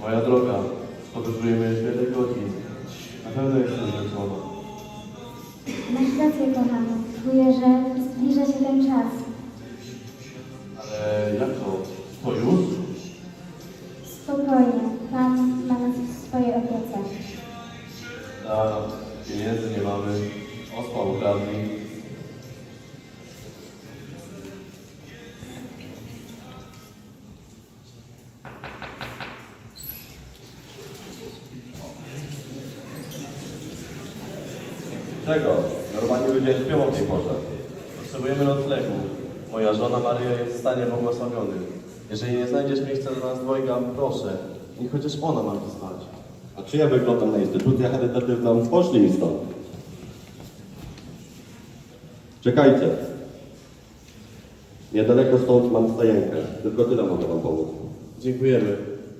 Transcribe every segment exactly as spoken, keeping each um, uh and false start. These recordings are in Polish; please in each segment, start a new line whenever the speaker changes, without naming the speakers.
Moja droga, podróżujemy już wiele godzin. Na pewno jestem zmęczona.
Masz rację, kochany. Czuję, że zbliża się ten czas.
Ale jak to? To już?
Spokojnie. Pan ma nas w swojej opiece.
A pieniędzy nie mamy. Osła ukradli.
Czego? Normalnie ludzie śpią o tej porze.
Potrzebujemy noclegu. Moja żona Maria jest w stanie błogosławionym. Jeżeli nie znajdziesz miejsca dla nas dwojga, proszę, niech chociaż ona ma gdzie spać.
A czy ja wyglądam na instytucję charytatywną? Poszli mi stąd. Czekajcie. Niedaleko stąd mam stajenkę. Tylko tyle mogę wam pomóc.
Dziękujemy.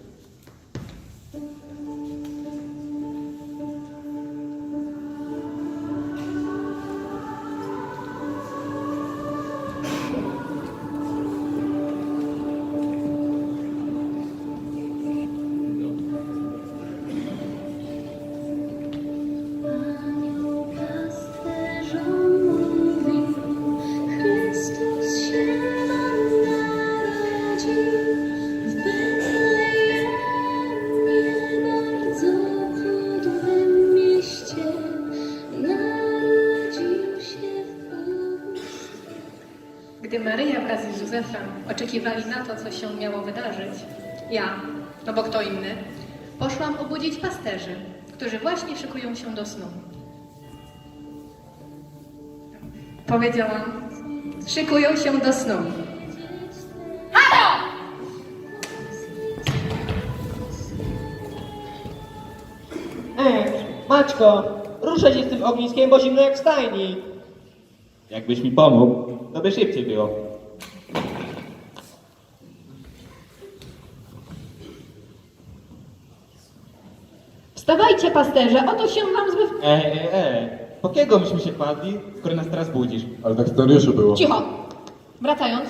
Gdy Maryja wraz z Józefem oczekiwali na to, co się miało wydarzyć, ja, no bo kto inny, poszłam obudzić pasterzy, którzy właśnie szykują się do snu. Powiedziałam, szykują się do snu. Halo!
Ej, Maćko, ruszę się z tym ogniskiem, bo zimno jak w stajni.
Jakbyś mi pomógł, to by szybciej było.
Wstawajcie, pasterze, oto się wam zbyw...
E, e, e, po kiego myśmy się kładli, skoro nas teraz budzisz?
Ale tak scenariuszu było.
Cicho! Wracając.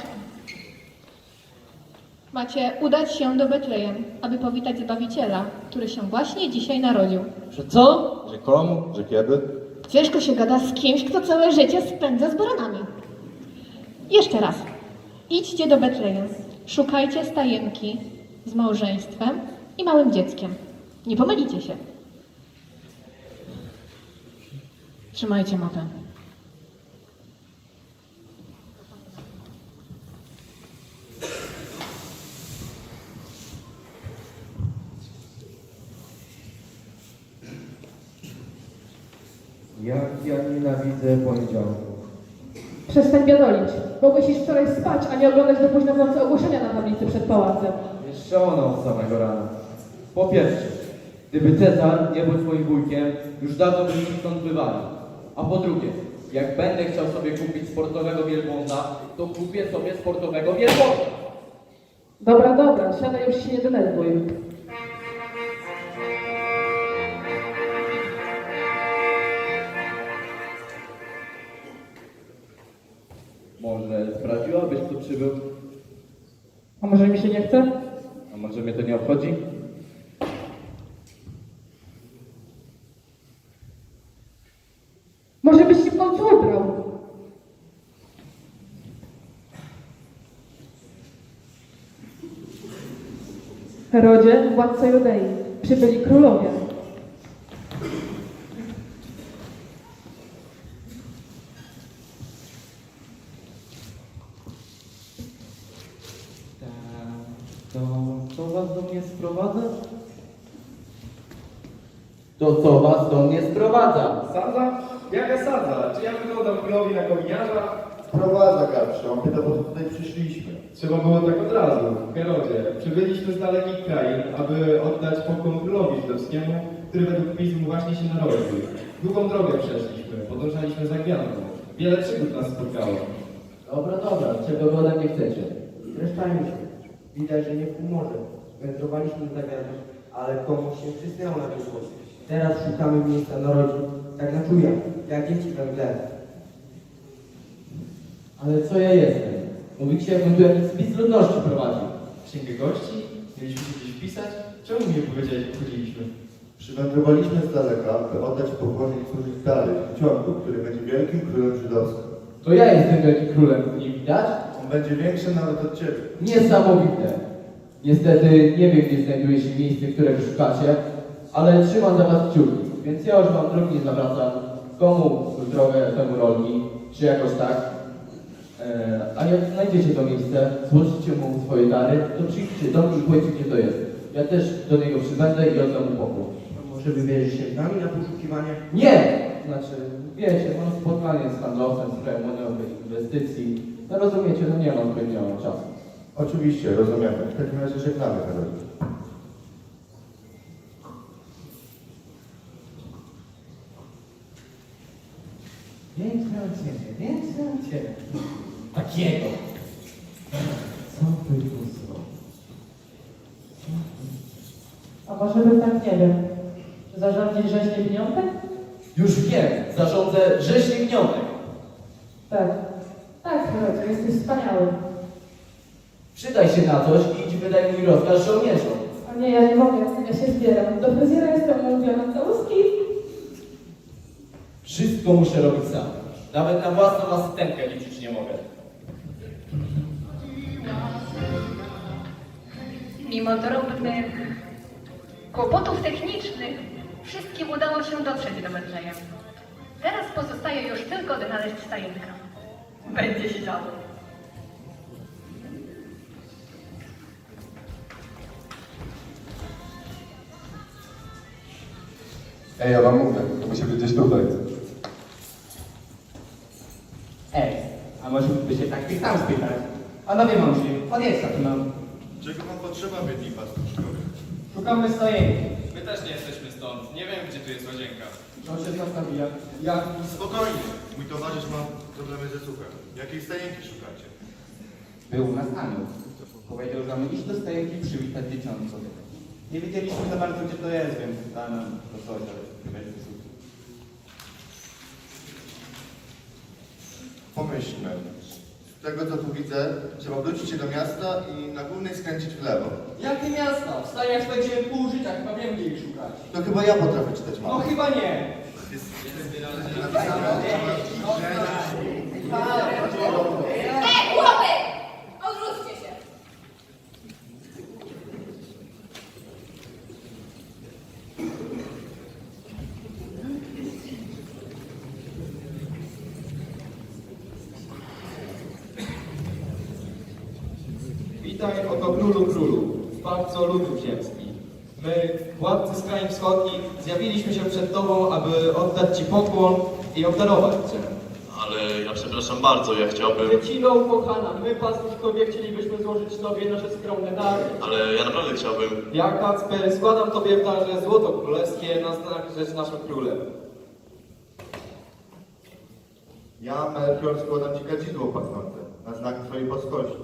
Macie udać się do Betlejem, aby powitać Zbawiciela, który się właśnie dzisiaj narodził.
Że co?
Że komu?
Że kiedy?
Ciężko się gada z kimś, kto całe życie spędza z baranami. Jeszcze raz. Idźcie do Betlejem. Szukajcie stajenki z małżeństwem i małym dzieckiem. Nie pomylicie się. Trzymajcie mapę.
Jak ja nienawidzę poniedziałków.
Przestań biadolić. Mogłeś iść wczoraj spać, a nie oglądać do późna w nocy ogłoszenia na tablicy przed pałacem.
Jeszcze ona od samego rana. Po pierwsze, gdyby Cezar nie był twoim wujkiem, już dawno by się stąd wywalił. A po drugie, jak będę chciał sobie kupić sportowego wielbłąda, to kupię sobie sportowego wielbłąda.
Dobra, dobra, siadaj, już się nie denerwuj.
Może sprawdziłabyś, kto przybył?
A może mi się nie chce?
A może mnie to nie obchodzi?
Może byś się w końcu ubrał? Herodzie, władco Judei, przybyli królowie.
To co was do mnie sprowadza? To co was do mnie sprowadza?
Sadza? Jaka sadza? Czy ja wyglądam królowi na kominiarza?
Sprowadza Karprzy, on pyta, po co tutaj przyszliśmy.
Trzeba było tak od razu. Herodzie, przybyliśmy z dalekich krain, aby oddać pokłon królowi żydowskiemu, który według pism właśnie się narodził. Długą drogę przeszliśmy, podążaliśmy za gwiazdą. Wiele przygód nas spotkało.
Dobra, dobra, czego wy ode mnie chcecie? Zresztajmy się. Widać, że nie w humorze. Wędrowaliśmy za gwiazdą, ale komuś się przysnęło na wyszło. Teraz szukamy miejsca narodzin. Tak na czuja, jak dzieci we mgle. Ale co ja jestem? Mówicie, jakbym tu jakiś spis ludności prowadził.
Księgę gości? Mieliśmy się gdzieś wpisać? Czemu mi nie powiedziałeś, jak chodziliśmy?
Przywędrowaliśmy z daleka, by oddać pokłon i służyć dalej, w ciągu, który będzie wielkim królem żydowskim.
To ja jestem wielkim królem, nie widać?
On będzie większy nawet od ciebie.
Niesamowite. Niestety nie wiem, gdzie znajduje się miejsce, którego szukacie, ale trzymam za was kciuki, więc ja już wam drogi nie zawracam. Komu drogę, temu rolki, czy jakoś tak. Eee, a jak znajdziecie to miejsce, złożycie mu swoje dary, to przyjdźcie do mnie i powiedzcie, gdzie to jest. Ja też do niego przybędę i oddam mu pokój.
Może wybierzesz się z nami na poszukiwanie?
Nie! Znaczy, wiecie, mam spotkanie z handlowcem w sprawie monedowych inwestycji. No rozumiecie, no nie mam pewnego czasu.
Oczywiście, rozumiemy. W takim razie żegnamy, Herodzie.
Więcej od ciebie, więcej od ciebie. Takiego. Co ty tu zrobisz?
A może bym tak nie wiem. Czy zarządzić rzeźnie pieniądze?
Już wiem, zarządzę rzeźnik gniotek.
Tak. Tak, Herodzie, jesteś wspaniały.
Przydaj się na coś i idź wydaj mój rozkaz żołnierzom.
A nie, ja nie mogę, ja się zbieram. Do fryzjera jestem umówiona całuski.
Wszystko muszę robić sam. Nawet na własną asystentkę liczyć nie mogę.
Mimo drobnych kłopotów technicznych, wszystkim udało się dotrzeć do Betlejem. Teraz pozostaje już tylko odnaleźć stajenkę. Będzie się działo.
Ej, ja wam mówię, to musi być gdzieś tutaj.
Ej, a może by się tak tych tam spytać? Panowie mądrzy, podjedź tu nam.
Czego wam potrzeba, biedni pastuszkowie?
Szukamy stojenki.
My też nie jesteśmy stąd. Nie wiem, gdzie tu jest łazienka.
On się z nas nabija. Jak?
Spokojnie, mój towarzysz ma problemy ze słuchem. Jakiej stajenki szukacie?
Był u nas anioł. Powiedział, że mamy iść do stojenki i przywitać dzieciątko. Nie wiedzieliśmy za bardzo, gdzie to jest, więc da nam to coś, ale chyba jest wysłuch.
Pomyślmy. Z tego co tu widzę, trzeba wrócić się do miasta i na głównej skręcić w lewo.
Jakie miasta? W stajach spędziłem pół życia, chyba wiem, gdzie ich szukać.
To chyba ja potrafię czytać
No
mapę.
chyba nie.
Ej, chłopy! Odwróćcie się!
Witaj, oto królu królu, zbawco ludów ziemskich. My, władcy z krain wschodnich, zjawiliśmy się przed Tobą, aby oddać Ci pokłon i obdarować Cię.
Ale ja przepraszam bardzo, ja chciałbym...
Dziecino ukochana, my pastuszkowie chcielibyśmy złożyć Tobie nasze skromne dary.
Ale ja naprawdę chciałbym...
Ja, Kacper, składam Tobie w darze złoto królewskie na znak, że jest naszym królem.
Ja, Melchior, składam Ci kadzidło pachnące na znak Twojej boskości.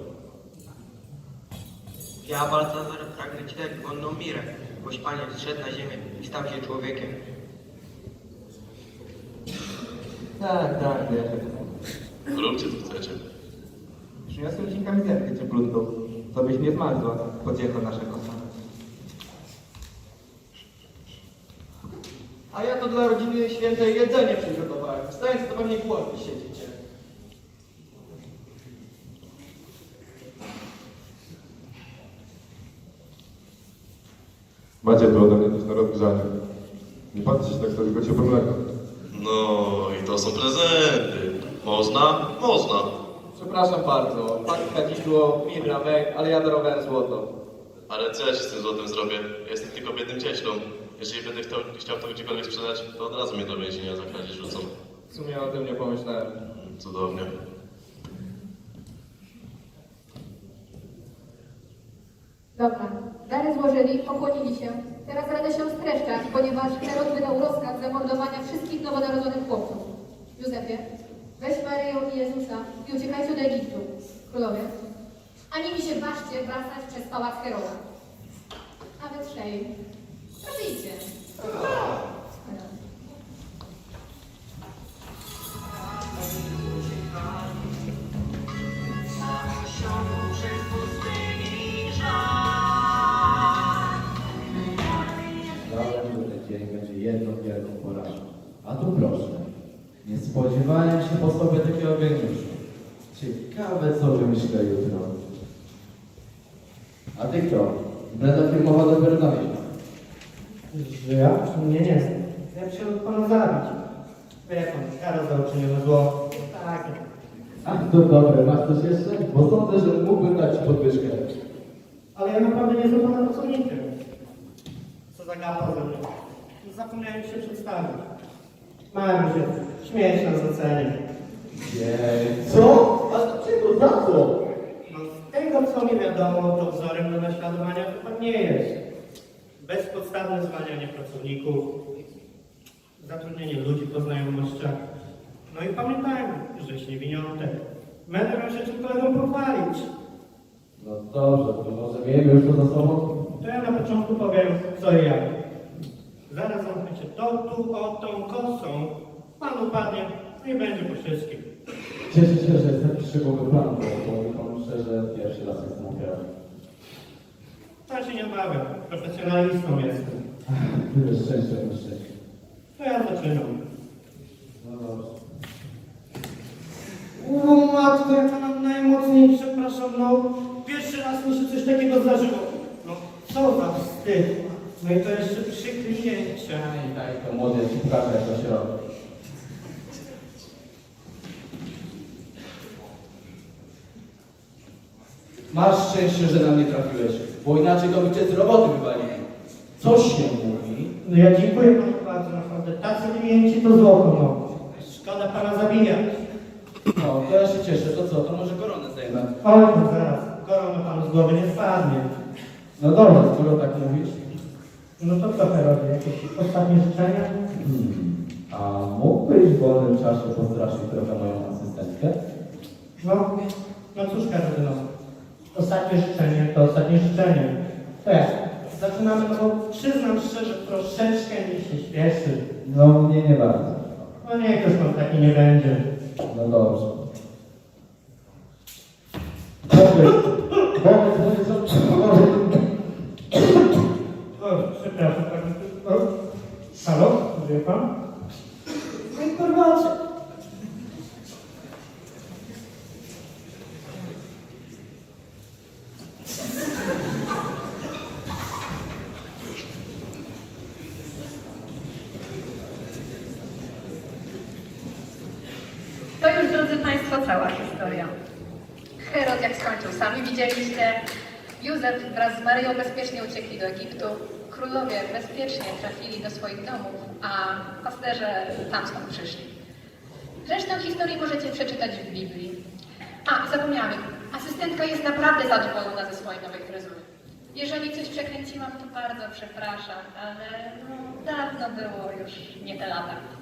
Ja, Baltazar, pragnę Ci dać wonną mirę, boś Panie zszedł na ziemię i stał się człowiekiem.
Tak, tak, wierzę.
Róbcie co chcecie.
Przyniosłem Ci kamizelkę cieplutką, to byś nie zmarzła, pociecho naszego pana.
A ja to dla rodziny świętej jedzenie przygotowałem. Wstając, to pewnie głodni siedzicie.
Macie tu ode mnie coś na rozgrzanie. Nie patrzcie się tak sobie, tylko ciepłe mleko.
No i to są prezenty. Można? Można.
Przepraszam bardzo, Pan kadzidło, mirra, węg, ale ja darowałem złoto.
Ale co ja się z tym złotem zrobię? Ja jestem tylko biednym cieślą. Jeżeli będę chciał, chciał to gdziekolwiek sprzedać, to od razu mnie do więzienia za kradzież rzucą.
W sumie o tym nie pomyślałem.
Cudownie.
Dobra, dary złożyli, pokłonili się. Teraz radę się streszczać, ponieważ Herod wydał rozkaz zamordowania wszystkich nowonarodzonych chłopców. Józefie, weź Maryję i Jezusa i uciekajcie do Egiptu. Królowie, ani mi się ważcie wracać przez pałac Heroda. A wy trzej, proszę idźcie.
Przez pustyni żal.
tu proszę. Nie spodziewałem się po sobie takiego geniuszu. Ciekawe, co wymyślę jutro. A ty kto? Impreza firmowa dopiero za miesiąc.
Że ja? Nie, nie znam. Ja bym się od pana zabić. Wie pan, kara za uczynione zło. Tak.
Ach, to dobre, masz coś jeszcze? Bo sądzę, że mógłbym dać ci podwyżkę.
Ale ja naprawdę nie jestem pana pracownikiem. Co za gapa ze mną. Zapomniałem się przedstawić. Małem się, śmieć nas ocenić.
Jej, co? A dlaczego? Za co?
No z tego co mi wiadomo, to wzorem do naśladowania chyba nie jest. Bezpodstawne zwalnianie pracowników, zatrudnienie ludzi po znajomościach. No i pamiętajmy, że niewiniątek. Będę miał się czym kolegom pochwalić.
No dobrze, to może miejmy już to za sobą?
To ja na początku powiem co i jak. Zaraz zamkniecie to tu, o tą kosą. Pan upadnie, no i będzie po wszystkim.
Cieszę się, że jest taki szczegółowy plan, bo powiem panu szczerze, pierwszy raz jestem ofiarą.
Ja się nie obawiam, profesjonalistą jestem.
Tyle szczęścia, tyle szczęścia.
To ja zaczynam.
No dobrze.
O matko, ja pana najmocniej przepraszam, no pierwszy raz mi się coś takiego zdarzyło. No co za wstyd. No i to jeszcze przy kliencie.
I daj to młody, ja ci pokażę, jak to się robi. Masz szczęście, że na mnie trafiłeś, bo inaczej to by cię z roboty wywalili. Coś się mówi?
No ja dziękuję panu bardzo, naprawdę. Tacy klienci to złoto, no. Szkoda pana zabijać.
No, to ja się cieszę. To co, to może koronę zdejmę?
Oj, no zaraz, korona panu z głowy nie spadnie.
No dobrze, skoro tak mówisz.
No to co robię? Jakieś ostatnie życzenia?
Hmm. A mógłbyś w wolnym czasie postraszyć trochę moją asystentkę?
No, no cóż Karotyno, ostatnie życzenie to ostatnie życzenie. To jak? Zaczynamy, no bo przyznam szczerze, troszeczkę mi się śpieszy.
No, mnie nie bardzo.
No niech już pan taki nie będzie.
No dobrze. Powiedz, powiedz, powiedz, powiedz.
O, przepraszam, tak. O, halo, wie pan? No informacja.
To już, drodzy Państwo, cała historia. Herod, jak skończył, sami widzieliście. Józef wraz z Maryją bezpiecznie uciekli do Egiptu. Królowie bezpiecznie trafili do swoich domów, a pasterze tam skąd przyszli. Resztę historii możecie przeczytać w Biblii. A, zapomniałam, asystentka jest naprawdę zadowolona ze swojej nowej fryzury. Jeżeli coś przekręciłam, to bardzo przepraszam, ale no, dawno było już nie te lata.